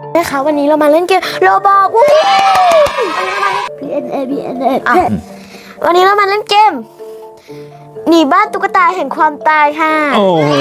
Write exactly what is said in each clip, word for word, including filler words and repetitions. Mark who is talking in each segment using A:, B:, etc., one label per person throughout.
A: นะคะวันนี้เรามาเล่นเกมโรบอกวู้พีเอ็นเอพีเอ็นเอวันนี้เรามาเล่นเกมหนีบ้านตุ๊กตาแห่งความตายค่ะโอ้โห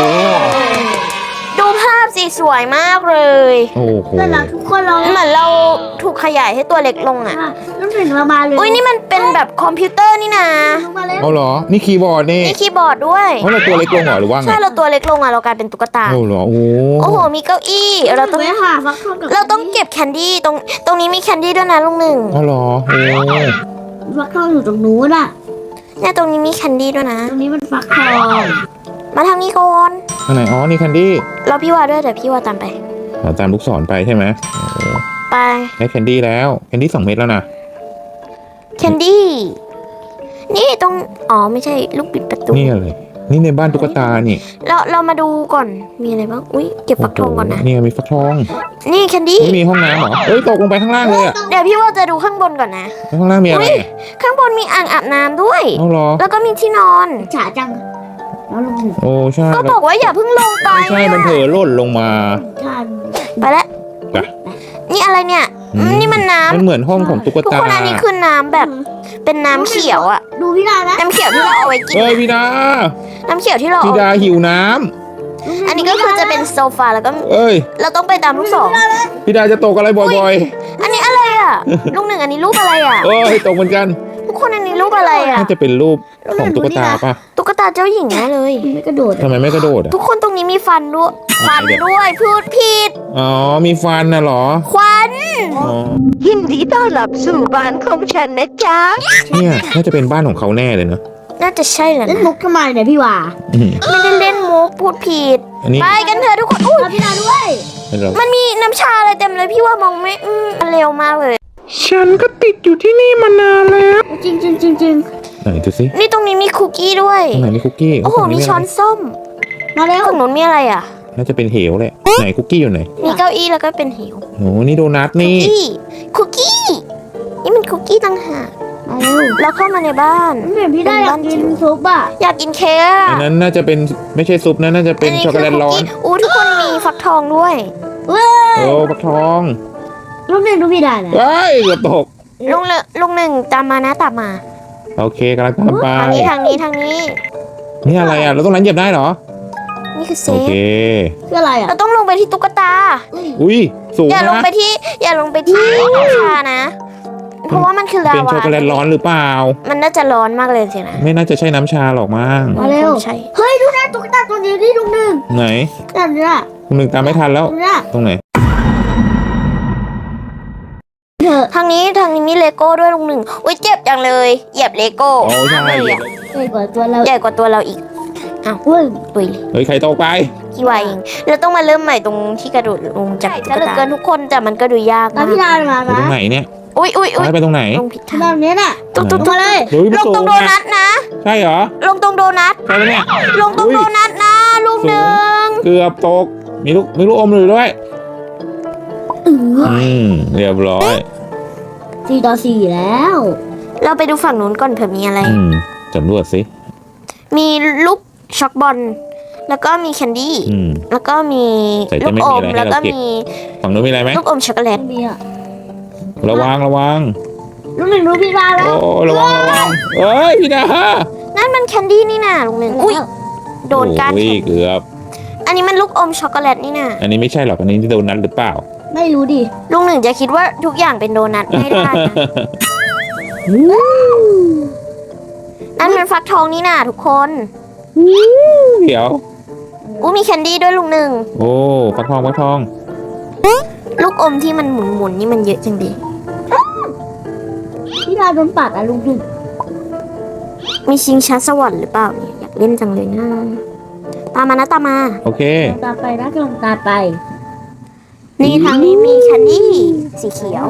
A: ดูภาพสิสวยมากเลยโอ้โหแล้วทุกคนเราเหมือนเราถูกขยายให้ตัวเล็กลงอ่ะต้องถึงเรามาเลยอุ้ยนี่มันเป็นแบบคอมพิวเตอร์นี่นะ
B: เอาเหรอนี่คีย์บอร์ดนี่
A: นี่คีย์บอร์ดด้วย
B: เพราะเราตัวเล็กลงเหรอหรือว่าไง
A: ใช่เราตัวเล็กลงอ่ะเรากลายเป็นตุ๊กตา
B: โอ้เหรอโอ้
A: โอ้โหมีเก้าอี้เราต้องเราต้องเก็บแคนดี้ตรงตรงนี้มีแคนดี้ด้วยนะลุงหนึ่ง
B: อ๋อเหรอโอ้
C: ฟักทองอยู่ตรงนู้นอ่ะ
A: เนี่ยตรงนี้มีแคนดี้ด้วยนะ
C: ตรงนี้มันฟักทอง
A: มาทางนี้ก่อน
B: ทางไหนอ๋อนี่แคนดี้
A: เราพี่วาด้วยแต่พี่วาตามไป
B: เราตามลูกศรไปใช่ไหม
A: ไป
B: ได้แคนดี้แล้วแคนดี้สองเม็ดแล้วนะ
A: แคนดี้นี่ตรงอ๋อไม่ใช่ลูกปิดประตู
B: นี่อะไรนี่ในบ้านตุ๊กตานี่
A: เราเรามาดูก่อนมีอะไรบ้างอุ้ยเก็บฟักทองก่อนนะ
B: นี่มีฟักทอง
A: นี่แคนดี้
B: มีห้องน้ำเหรอเอ้ยตกลงไปข้างล่างเลยอ่ะ
A: เดี๋ยวพี่ว่าจะดูข้างบนก่อนนะ
B: ข้างล่างมีอะไร
A: ข้างบนมีอ่างอาบน้ำด้วย
B: เอาเหรอ
A: แล้วก็มีที่นอน
C: ฉาจัง
B: โอ้ใช่
A: ก็บอกว่าอย่าเพิ่งลงไป
B: ไม่ใช่มันเผลอหล่นลงมา
A: ไปแล้วนี่อะไรเนี่ยนี่มันน้ำ
B: มันเหมือนห้องของตุ๊กตาทุก
A: คนอันนี้คือน้ำแบบเป็นน้ำเขียวอ่ะ
C: ดูพี่ดานะ
A: น้ำเขียวที่เราเอาไว้กิน
B: เฮ้ยพี่ดา
A: น้ำเขียวที่เรา
B: พี่ดาหิวน้ำ
A: อันนี้ก็คือจะเป็นโซฟาแล้วก็
B: เอ้ย
A: เราต้องไปตามลูกศร
B: พี่ดาจะตกอะไรบ่อย
A: ๆอันนี้อะไรอ่ะลูกหนึ่งอันนี้รูปอะไรอ่ะ
B: เอ้ยตกเหมือนกัน
A: ทุกคนอันนี้รูปอะไรอ่ะ
B: น่าจะเป็นรูปของตุ๊กตาป่ะ
A: ตุ๊กตาเจ้าหญิงแน่เลย
C: ไม่กระโดด
B: ทำไมไม่กระโดดอ่ะ
A: ทุกคนตรงนี้มีฟันด้วยฟันด้วยพูดผิด
B: อ๋อมีฟันน่ะเหรอ
A: ควัน
D: ยินดีต้อนรับสู่บ้านของฉันนะจ๊ะ
B: เนี่ยน่าจะเป็นบ้านของเขาแน่เลยเนอะ
A: น่าจะใช่แหละ
C: เล่นมุกทำไมเนี่ยพี่วา
A: ไม่ได้เล่นมุกพูดผิดไปกันเถอะทุกคนอุ้ย
C: พี่ดาด้วย
A: มันมีน้ำชาอะไรเต็มเลยพี่ว่ามองไม่เร็วมากเลย
B: ฉันก็ติดอยู่ที่นี่มานานแล้ว
C: จริงจริงจริงจริง
B: ไหนดูสิ
A: นี่ตรงนี้มีคุกกี้ด้วย
B: ตรงไหนมีคุกกี้
A: โอ้โหมีช้อนส้ม
C: มาแล้ว
A: ตรงนู้นมีอะไรอ่ะ
B: น่าจะเป็นเหวแหละไหนคุกกี้อยู่ไหน
A: มีเก้าอี้แล้วก็เป็นเหว
B: โอ้นี่โดนัทนี่
A: คุกกี้นี่มันคุกกี้ต่างหากแล้วเข้ามาในบ้าน
C: เห็นพี่ได้อยากกินซุปอ่ะ
A: อยากกินเค้ก
B: อันนั้นน่าจะเป็นไม่ใช่ซุปนะน่าจะเป็นช็อกโกแลตร้อน
A: อู้ทุกคนมีฟักทองด้วย
B: โอ้ฟักทอง
C: ลูกหนึ่งลูกพี่ได้นะ
B: เฮ้ยเกือบตก
A: ลุงเลยลุงหนึ่งตามมานะตามมา
B: โอเคกำลังตามไป
A: ทางนี้ทางนี้ทางนี้
B: นี่อะไรอ่ะเราต้องนั้นเหยียบได้เหรอ
A: นี่คือเซฟ
B: โอเค
C: คืออะไรอ่ะ
A: เราต้องลงไปที่ตุ๊กตา
B: อุ้ยสูงนะ
A: อย่าลงไปที่อย่าลงไปที่น้ำชานะเพราะว่ามันคือลาวา
B: เป็นช็อกโกแลตร้อนหรือเปล่า
A: มันน่าจะร้อนมากเลยสินะ
B: ไม่น่าจะใช่น้ำชาหรอกมั้ง
C: มาเร็วเฮ้ยดูนะตุ๊กตาตัวนี้ที่ลุงหนึ่ง
B: ไหน
C: นั่นน่ะ
B: ลุงหนึ่งตามไม่ทันแล้วตรงไหน
A: ทางนี้ทางนี้มีเลโก้ด้วยลุงหนึ่งอุ้ยเจ็บจังเลยเหยียบเลโก้
B: โอ้ใช่
A: เลยอ่ะ
C: ใหญ่กว่าตัวเรา
A: ใหญ่กว่าตัวเราอีกอ้าว
C: อุ้ย
A: ตุย
B: เฮ้ยใครตกไป
A: กี่วายเองเราต้องมาเริ่มใหม่ตรงที่กระโดดลงจากตุ๊กตาเหลือเกินทุกคนแต่มันก็ดูยากมาก
C: พี่ดามา
B: ตรงไหนเนี่ย
A: อุ้ยอุ้ยอุ้ย
B: ไปตรงไหน
A: ลงผิดทาง
C: แบบนี้น่ะ
A: ตุ๊กตุ๊กตุ๊กเลยลงตรงโดนัทนะ
B: ใช่เหรอ
A: ลงตรงโดนัท
B: ใช่แล้วเนี่ย
A: ลงตรงโดนัทนะลูกหนึ่ง
B: เกือบตกมีลูกมีลูกอมอยู่ด้วยอืมเรียบร้อย
C: สี่ต่อสี่แล้ว
A: เราไปดูฝั่งนู้นก่อนเผื่อมีอะไร
B: สำรวจสิ
A: มีลูกช็อกบอลแล้วก็มีแคนดี้แล้วก็มีลูกอมแล้วก็มี
B: ฝั่งนู้นมีอะไรไหม
A: ลูกอมช็อกโกแลต
C: มีอะ
B: ระวังระวัง
C: ลูกหนึ่งลูกพี่ดาแล้ว
B: โอ้ระวังระวังเฮ้ยพี่ดา
A: นั่นมันแคนดี้นี่น่ะลูกหนึ่งอุ้ยโดนการแข่ง
B: เกือบ
A: อันนี้มันลูกอมช็อกโกแลตนี่น่ะ
B: อันนี้ไม่ใช่หรอกอันนี้โดนัทหรือเปล่า
C: ไม่รู้ดิ
A: ลุงหนึ่งจะคิดว่าทุกอย่างเป็นโดนัทไม่ได้นั่นมันฟักทองนี่น่ะทุกคน
B: เดี๋ยว
A: อู้มีแคนดี้ด้วยลุงหนึ่ง
B: โอ้ฟักทองฟักทอง
A: ลูกอมที่มันหมุนๆนี่มันเยอะจังดิ
C: พี่ดาโดนปัดอะลุงหนึ่ง
A: มีชิงช้าสวรรค์หรือเปล่าเนี่ยอยากเล่นจังเลยนะตามมานะตามมา
B: โอเค
C: ตามไปนะกำลังตามไป
A: นี่ทางนี้มีแคนดี้สีเขียว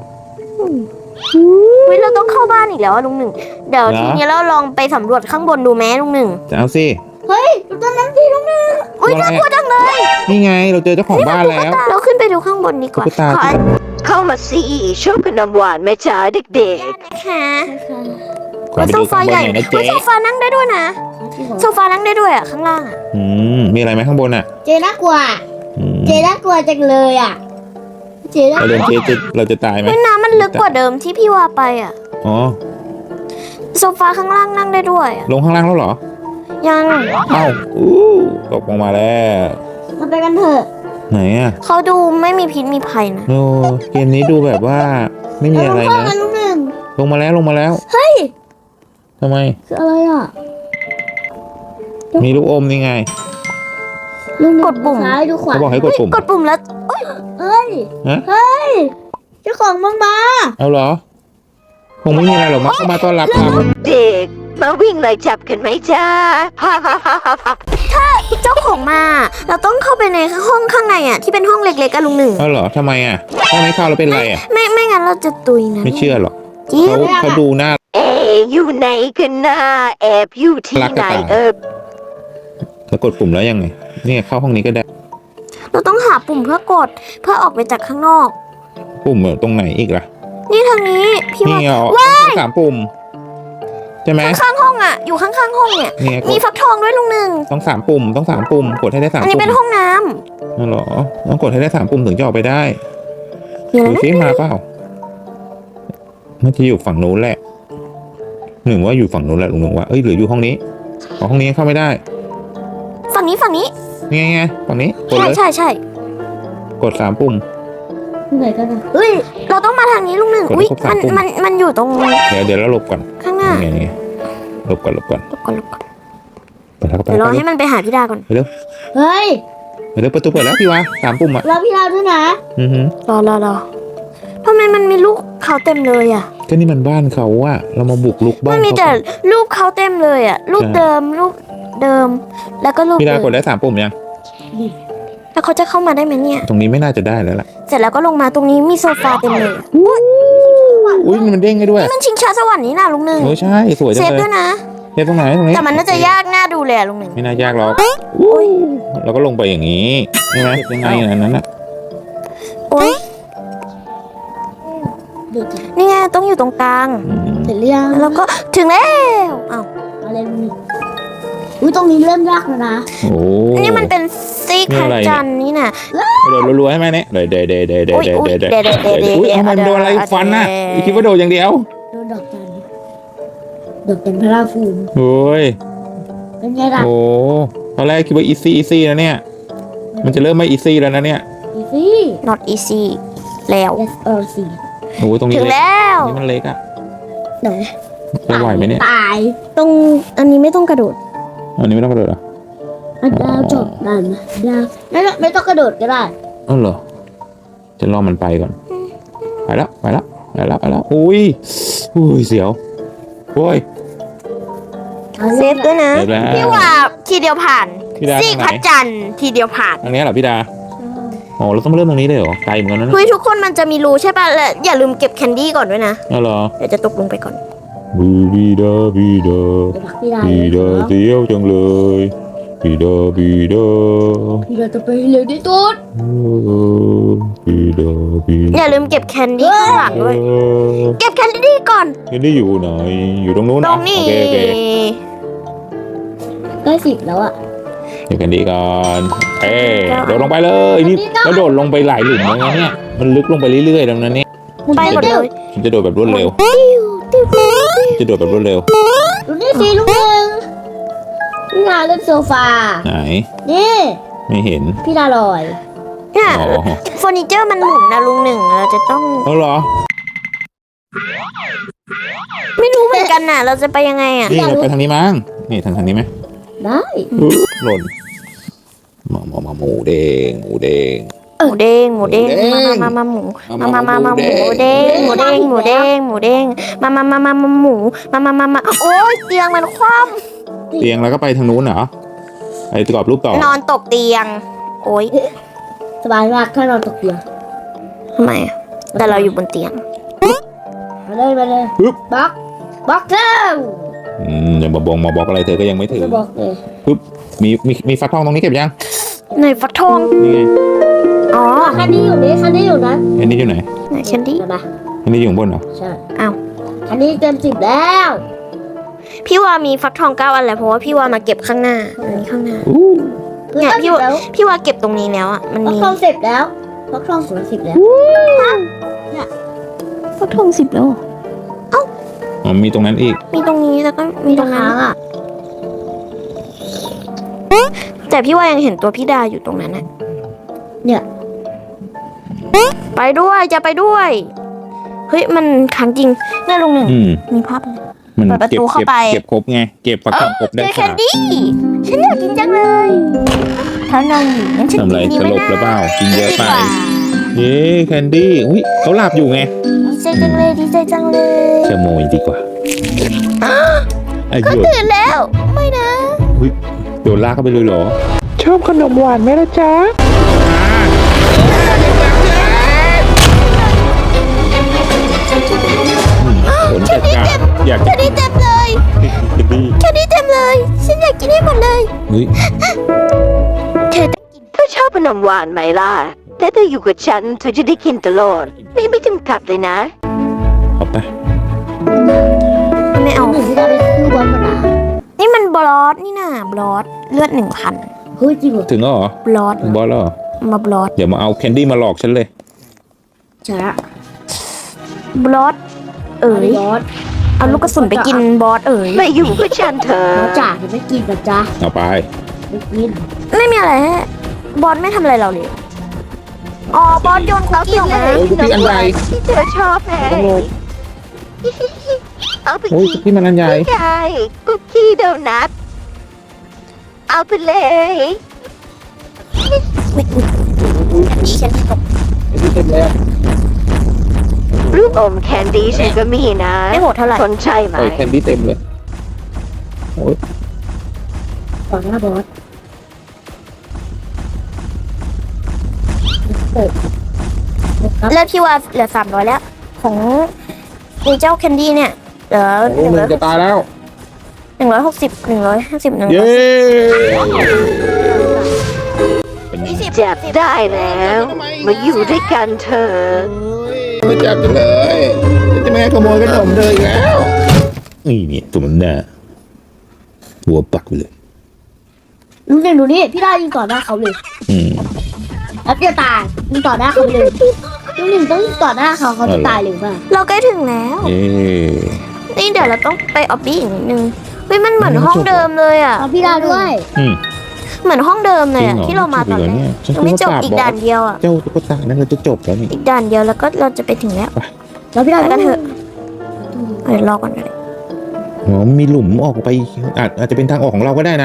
A: เฮ้ยเราต้องเข้าบ้านอีกแล้วลุงหนึ่งเดี๋ยวทีนี้เราลองไปสำรวจข้างบนดูแม้ลุงหนึ่ง
B: จะเอาสิ
C: เฮ้ยตอนนั้นสิลุงหนึ่ง
A: อุ้ยน่ากลัวจังเลย
B: นี่ไงเราเจอเจ้าของบ้านแล้ว
A: เราขึ้นไปดูข้างบนดีกว่า
D: เข้ามาสิชอบขนมหวานแม่จ๋าเด็ก
A: ๆนะคะโซฟาใหญ่โซฟานั่งได้ด้วยนะโซฟานั่งได้ด้วยอ่ะข้างล่างอ่ะ
B: อืมมีอะไรไหมข้างบนอ่ะ
C: เจน่ากลัวเจน่ากลัวจังเลยอ่ะเจ๊ได้
B: เราเดินเจ๊จะเราจะตายไหม
A: เฮ้ยน้ำมันลึกกว่าเดิมที่พี่วาไปอ่ะ
B: อ๋อ
A: โซฟาข้างล่างนั่งได้ด้วยอะ
B: ลงข้างล่างแล้วเหรอ
A: ยัง
B: เอ้าอู้ตกลงมาแล้ว
C: มาไปกันเถอะ
B: ไหนอ่ะ
A: เขาดูไม่มีพิษมีภัยนะ
B: โอ้เกมนี้ดูแบบว่าไม่มีอะไร
C: ลง
B: นะ
C: ข้างกันลูกหนึ่ง
B: ลงมาแล้วลงมาแล้ว
C: เฮ้ย
B: ทำไม
C: คืออะไรอ่ะ
B: มีลูกอมนี่ไง
C: ลูกหนึ่ง
A: กดปุ่ม
C: ซ้ายดูขวา
B: เขาบอกให้กดปุ่ม
A: กดปุ่มแล้วเอ้ย
C: เฮ้ย
B: ฮะ
C: เฮ้ยเจ้าของมังมา
B: เอาเหรอคงไม่มีอะไรหรอกมั้งเข้ามาต้อนรับครับ
D: เด็กมาวิ่งไล่จับกันไหมจ้า ฮ่าฮ่าฮ่าฮ่า
A: เจ้าของมา เราต้องเข้าไปในห้องข้างในอ่ะที่เป็นห้องเล็กๆกันลุงหนึ่ง
B: เอาเหรอทำไมอ่ะถ้าไม่เข้าแล้วเป็นไรอ่ะ
A: ไม่ไม่งั้นเราจะตุยนะ
B: ไม่เชื่อหรอก
A: จริง
B: เขาเขาดูหน้า
D: เอ๊ะอยู่ไหนกันนะแอบอยู่ที่
B: รัก
D: ไหน
B: กระต่าย
D: เออ
B: แล้วกดปุ่มแล้วยังไงเนี่ยเข้าห้องนี้ก็ได้
A: เราต้องหาปุ่มเพื่อกดเพื่อออกไปจากข้างนอก
B: ปุ่มตรงไหนอีกล่ะ
A: นี่ทางนี้พี่
B: นี่
A: ว่า
B: ไงอ๋อสามปุ่มใช่ไหม
A: ข้างๆห้องอ่ะ อยู่ข้างๆห้องเนี่ย
B: เนี่ยก
A: มี
B: ด
A: ฟักทองด้วยลุงหนึ่ง
B: ต้องสามปุ่มต้องสามปุ่มกดให้ได้สาม
A: อันนี้
B: ปุ่ม
A: เป็นห้องน้ำ
B: นั่นเหรอต้องกดให้ได้สามปุ่มถึงจะออกไปได้
A: มีอะไร
B: ดู
A: นะ
B: ซิมาเปล่ามันจะอยู่ฝั่งนู้นแหละหนึ่งว่าอยู่ฝั่งนู้นแหละลุงหนึ่งว่าเอ้ยหรืออยู่ห้องนี้อ๋อห้องนี้เข้าไม่ได้
A: ฝั่งนี้ฝั่งนี้
B: นี่ไงไงฝั่งนี้กด
A: ใช่
B: เลย
A: ใช่ใช่
B: กดสามปุ่ม
C: ที่ไหนกันนะ
A: เฮ้ยเราต้องมาทางนี้ลุงหนึ่ง
B: กด
A: อุ้ย
B: ครบสา
A: มั
B: ม
A: น
B: ปุ่ม
A: มันมันอยู่ตรง
B: เดี๋ยวเดี๋ยวแล้วหลบก่อน
A: ข้างหน้า
B: นี่ไงนี่ไงหลบก่อนหลบก่อน
A: หลบก่อนหลบก่อน
B: ไปแล้วก็ไป
A: เดี๋ยวรอ
B: แล้ว
A: ให้มันไปหาพี่ดาก่อน
B: ไปเร็ว
C: เฮ้ย
B: ไปเร็วประตูเปิดแล้วพี่วะสามปุ่มอ่ะ
C: เราพี่เราด้วยนะ
B: อือหือ
A: รอรอรอทำไมมันมีลูกเขาเต็มเลยอ่ะ
B: ก็นี่มันบ้านเขาอะเรามาบุกลุกบ้า
A: มัน นมี
B: เขา
A: แต่รูปเขาเต็มเลยอ่ะรูป
B: ใช่
A: เดิมรูปเดิม แล้วก็รูป
B: พี่ดากด
A: อื่น
B: ได้สามปุ่มยัง
A: แล้วเขาจะเข้ามาได้ไหมเนี่ย
B: ตรงนี้ไม่น่าจะได้แล้วล่ะ
A: เสร็จแล้วก็ลงมาตรงนี้มีโซฟาเต็มเลยอะ
B: อุ้ยมันเด้งได้ด้วย
A: มันชิงช้าสวรรค์นี่นะลุงหนึ่ง
B: โอ้ใช่สวย
A: เซ
B: จัง
A: ฟ
B: เล
A: ด้วย ยนะ
B: เซฟตรงไหนตรงนี้
A: แต่มันน่าจะยากน่าดูเลยอะลุงหนึ่ง
B: ไม่น่ายากหรอกเราก็ลงไปอย่างนี้ใช่ไหมยังไงอันนั้นน่ะ
A: โอ๊ย
C: เด็ก
A: นี่ไงต้องอยู่ตรงกลาง
B: อืม
C: เสร็จหรือยัง
A: แล้วก็ถึงแล้วอ้าว
C: อะไรนี่อุ้ยตรงนี้เริ่มยากแล้วนะ
B: โอ้
A: นี่มันเป็นซีก
B: นี่
A: พ
B: อะไร
A: ระ
B: เนี่ย
A: จันทร์นี่น่ะ
B: โดดรัวๆให้ไหมเนี่ยเดยเดยเดยเดยเดย
A: อุ๊ย
B: เดย
A: อุ๊ย
B: เดย
A: เดยเดยเดยเดย
B: อุ้ยเอามันโดนอะไร
A: เดย
B: ฟันน่ะ
A: เดย
B: คิดว่าโดดอย่างเดียว
C: โดนดอกจันทร์ดอกจันทร์พระราฟูม
B: โอ้ย
C: เป็นไงล่ะ
B: โอ้ตอนแรกคิดว่าอีซี่อีซี่นะเนี่ยมันจะเริ่มไม่อีซี่แล้วนะเนี่ย
C: อีซี่
A: not easy แล้ว
C: yes or c
B: โอ้ตรงนี้
A: ถึง
B: เล็ก
A: แล้ว
B: นี่มันเล็กอะ
C: ไหน
B: จะไหวไหมเนี่ย
C: ตาย
A: ตรงอันนี้ไม่ต้องกระโดด
B: อันนี้ไม่ต้องกระโดดเหรอ
C: อันดาวจบนั่นนะดาวไม่ต้องไม่ต้องกระโดดก็ได้
B: เออเหรอจะรอมันไปก่อนไปแล้วไปแล้วไปแล้วไปแล้วอุ้ยอุ้ยเสียวโอ้ย
A: เซฟด้วยนะ
B: เซฟแล้ว
A: พี่ว่าทีเดียวผ่าน
B: พี่ดา
A: ซีก
B: ทางไหน
A: พระจันทร์ทีเดียวผ่าน
B: ทางนี้เหรอพี่ดาอ๋อเราต้องเริ่มตรงนี้เลยเหรอไกลเหมือนกันนะ
A: คุยทุกคนมันจะมีรูใช่ป่ะและอย่าลืมเก็บแคนดี้ก่อนด้วยนะ
B: อ๋อเหรอ
A: เดี๋ยวจะตกลงไปก่อน
B: บีบีดาบีดา
C: เดี๋ยวพักพี่ดา
B: บีดาเสียวจังเลยบีดาบีดา
C: พี่ดาจะไปเร็วที่สุด
B: เออบีดาบีดา
A: อย่าลืมเก็บแคนดี้ข้างหลังด้วย
B: เออ
A: เก็บแคนดี้ก่อน
B: นี่ได้อยู่ไหนอยู่ตรงนู้น
A: ตร
B: นะ
A: งนี้
B: โอเคโอเค
C: ได้สิบแล้วอ่ะ
B: เดี๋ยวกันดีก่อนเอ้ยโดดลงไปเลยนี่แล้วโดดลงไปหลายหลุมแล้วนะเนี่ยมันลึกลงไปเรื่อยๆแล้วนะเนี่ย
A: ไปหมดเลย
B: ฉันจะโดดแบบรวดเร็ว
A: ติ้วติ้วติ้ว
B: จะโดดแบบรวดเร็ว
C: ดูนี่สิลูกหนึ่งพี่ดาเล่นโซฟา
B: ไหน
C: นี่
B: ไม่เห็น
C: พี่ดาลอย
A: เนี่ย
B: อ๋อ
A: เฟอร์นิเจอร์มันหมุนนะลุงหนึ่งเราจะต้อง
B: เอาเหรอ
A: ไม่รู้เหมือนกันน่ะ เราจะไปยังไงอ่ะ
B: นี่เราไปทางนี้มั้งนี่ทางทางนี้ไหม
C: ได้
B: หล่นมามามาหมูเด้งหมูเด้ง
A: หมูเด้งหมูเด้ง
B: หมูเด้ง
A: มามามาหมู
B: มา
A: มา
B: มา
A: มา
B: มา
A: มามา
B: ห
A: ห
B: มู
A: มู
B: เด้
A: เด้
B: ง
A: งหมูเด้งหมูเด้งหมูเด้งมามามามามาหมูมามามามาโอ้ยเตียงมันคว่
B: เตียงแล้วก็ไปทางนู้นเหรอไอ้กรอบรูปต่อ
A: ำนอนตกเตียง โอ้ย
C: สบายมากถ้านอนตกเตียง
A: ทำไมอะแต่เราอยู่บนเตียง
C: มาเลยมาเลย
B: ปึ๊บบ
C: ล็อกบล็อกเจ้า
B: อืมอย่ามาบงมาบอกอะไรเธอก็ยังไม่ถึง
C: จะบอกเลย
B: ปึ๊บมีมีมีฟักทองตรงนี้เก็บยัง
A: ไหนฟักทอง
B: นี่ไง
A: อ๋อ
C: คันนี้อยู่นี่คันนี้อยู่นะ
B: อันนี้อยู่ไหน
A: ไหนแคนดี้
C: เห็นไหม
B: อันนี้อยู่ข้างบนเหรอ
C: ใช่
A: อ้าว
C: คันนี้เต็มสิบแล้ว
A: พี่ว่ามีฟักทองเก้าอันแหละเพราะว่าพี่ว่ามาเก็บข้างหน้าอันนี้ข้างหน้า
B: อู้
A: เนี่ยพี่
C: พี่
A: ว่า
C: แล้ว
A: พี่ว่าเก็บตรงนี้แล้วอ่ะมัน
C: บล็อก
A: มี
C: คอนเซ็ปต์แล้วฟักทองสุดสิบแล้ว
A: ฟักทองสิบแล้วเหรอ
B: อ๋อมีตรงนั้นอีก
A: มีตรงนี้แล้วก็มีตรงนั้น
C: อ่ะ
A: แต่พี่ว่ายังเห็นตัวพี่ดาอยู่ตรงนั้นอะ
C: เนี่ย
A: ไปด้วยจะไปด้วย เฮ้ยมันขังจริงน่าลงหนึ่ง
B: อืม
A: มีภาพเลย
B: มัน
A: เปิดประ
B: เก็บ
A: ตูเข้า
B: เก็บ
A: ไป
B: เก็บครบไง เก็บฟักทองครบได้
A: เจอแค
B: ค่ะ
A: นดี้ฉันอยากกินจังเลยเขานอนอยู่งั้นฉัน
B: ทำไร
A: กินดี
B: ส
A: ไหม
B: ลบ
A: นะ
B: หรือเปล่ากินเยอะไป
A: ดีกว่า
B: เย้แคนดี้อุ้ยเขาหลับอยู่ไง
A: ดีใจจังเลยดีใจจังเลย
B: ขโมยดีกว่าไอ้
A: ก็
B: หยุด
A: ตื่นแล้วไม่นะ
B: อุ้ยโดนลากเข้าไปเลยเหรอ ชอบขนมหวานไหมล่ะจ๊ะผลจัดการอยาก
A: แค
B: จะ
A: นดี้เต็มเลย
B: กินดี
A: แคนดี้เต็มเลยฉันอยากกินให้หมดเลย
B: อุ้ย
A: เธอต้องกิน
D: เธอชอบขนมหวานไหมล่ะแต่เธออยู่กับฉันเธอจะได้กินตลอดไม่ไม่จำกัดเลยนะ
B: เอาไป
A: ไม่เอา
C: หนึ่งที่ได้ไปซื้อบอลมา
A: นี่มันบลอสนี่น่ะบลอสเลือดหนึ่งพัน
C: เฮ้ยจริงเหรอ
B: ถึงแล้วเหรอบ
A: ลอส
B: บอสแล้วเหรอ
A: มาบลอส
B: เดี๋ยวมาเอาแคนดี้มาหลอกฉันเลย
C: ใช่ละ
A: บลอสเอ๋ย
C: บอส
A: เอาลูกกระสุนไปกินบอสเอ๋ย
D: ไม่อยู่กับฉันเธอ
C: บอสจ่าจะไม่กินกับจ้า
B: เอาไป
C: ไม่กิน
A: ไม่มีอะไรฮะบอสไม่ทำอะไรเราเลย อ๋อบอสโยนคุกกี้ออกมา
B: โอ้ยคุกกี้อันใหญ่
D: ที่เธอชอบแฮะ
B: ต้องโหลด
D: เอาไป
B: โอ้ย
D: กิน
B: พี่มันอันใหญ่
D: ไม่ได้คุกกี้โดนัทเอาไปเลย
A: ฉันตก
B: เต็มเลย
D: ลูกอมแคนดี้ฉันก็มีนะ
A: ไม่โหดเท่าไหร่
D: สนใจไหม
B: โอ้ยแคนดี้เต็มเลยโอ้ย
C: ต่อหน้าบอส
A: เลือดพี่ว่าเหลือสามร้อยแล้ว ของไอ้เจ้าแคนดี้เนี่ยเหลือห
B: โอ้
A: นึ่ง
B: มึ
A: ร้อง ย
B: จะตายแล้ว
A: หนึ่งร้อยหกสิบหนึ่งร้อยห้าสิบหนึ่ง
B: เย้
A: ร้อย
B: เป็นไง
A: ยี่สิบ
D: จับได้แล้ว มาอยู่ด้วยกันเถอะ
B: ไม่จับกันเลยจะไม่ให้ขโมยขนมเลยอีกแล้วนี่เนี่ยตัวมันหน้าหัวปักไปเลย
C: ลุงหนึ่งดูนี่พี่ได้ยิงต่อหน้าเขาเลย
B: อืม
C: แล้วจะตายยิงต่อหน้าเขาเลยลุงหนึ่งต้องยิงต่อหน้าเขาเขาจะตายหรือเปล่า
A: เราใกล้ถึงแล้ว
B: เอ๊ะ
A: นี่เดี๋ยวเราต้องไปออบบี้อีกนิดนึงเฮ้ยมันเหมือนห้องเดิมเลยอ่ะ
C: เอาพี่ได้ด้วย
B: อืม
A: เหมือนห้องเดิมเลยอ่ะ
B: จริงเหรอ
A: ที่เรามาตอนแร
B: จริงเหรอเนี่
A: ก
B: ยฉัน
A: ยังไม่จบ
B: คิดว่า
A: อีก
B: ปราบ
A: ด่านเดียวอ่ะ
B: เจ้าตุ๊กตานั่นเราจะจบแล้วนี่
A: อีกด่านเดียวแล้วก็เราจะไปถึงแล้ว
C: แล้วพี่ได้
A: ไป
C: ด้
A: กั
C: วน ย
A: เถอะเดี๋ยวรอก่อนก็ได้
B: อ๋อมีหลุมออกไปอาจอาจจะเป็นทางออกของเราก็ได้นะ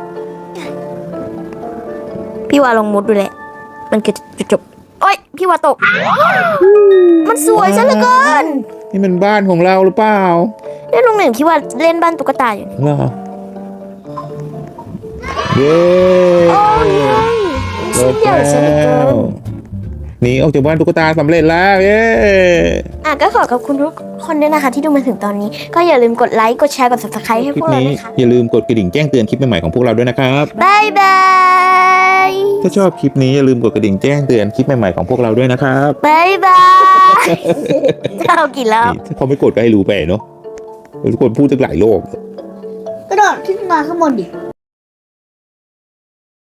A: พี่ว่าลองมุดดูแหละมันคือจุดจบโอ๊ยพี่ว่าตก มันสวยซะเหลือเกิน
B: นี่มันบ้านของเราหรือเปล่า
A: เนี่ยลุงหนึ่งพี่ว่าเล่นบ้านตุ๊กตาอยู่นี่
B: เหรอเย้
A: โอ้ยชิ้นใหญ่ซะเหลือเกิน
B: หนีออกจากบ้านตุ๊กตาสำเร็จแล้วเย้
A: อ่ะก็ขอขอบคุณทุกคนด้วยนะคะที่ดูมาถึงตอนนี้ ก็อย่าลืมกดไลค์ กดแชร์ กด ซับสไครบ์ ให้
B: คลิ
A: พ
B: ป
A: วกเรา
B: นี้
A: ด้วยค่ะ
B: อย่าลืมกดกระดิ่งแจ้งเตือนคลิปใหม่ๆของพวกเราด้วยนะครับ
A: บายบาย
B: ถ้าชอบคลิปนี้อย่าลืมกดกระดิ่งแจ้งเตือนคลิปใหม่ๆของพวกเราด้วยนะครับ
A: บายบายจะเอากี่รอบ
B: นี่ถ้าเขาไม่กดก็ให้รู้ไปเนาะทุกคนพูดตั้งหลายโลก
C: กระโดดขึ้นมาข้างบนดิ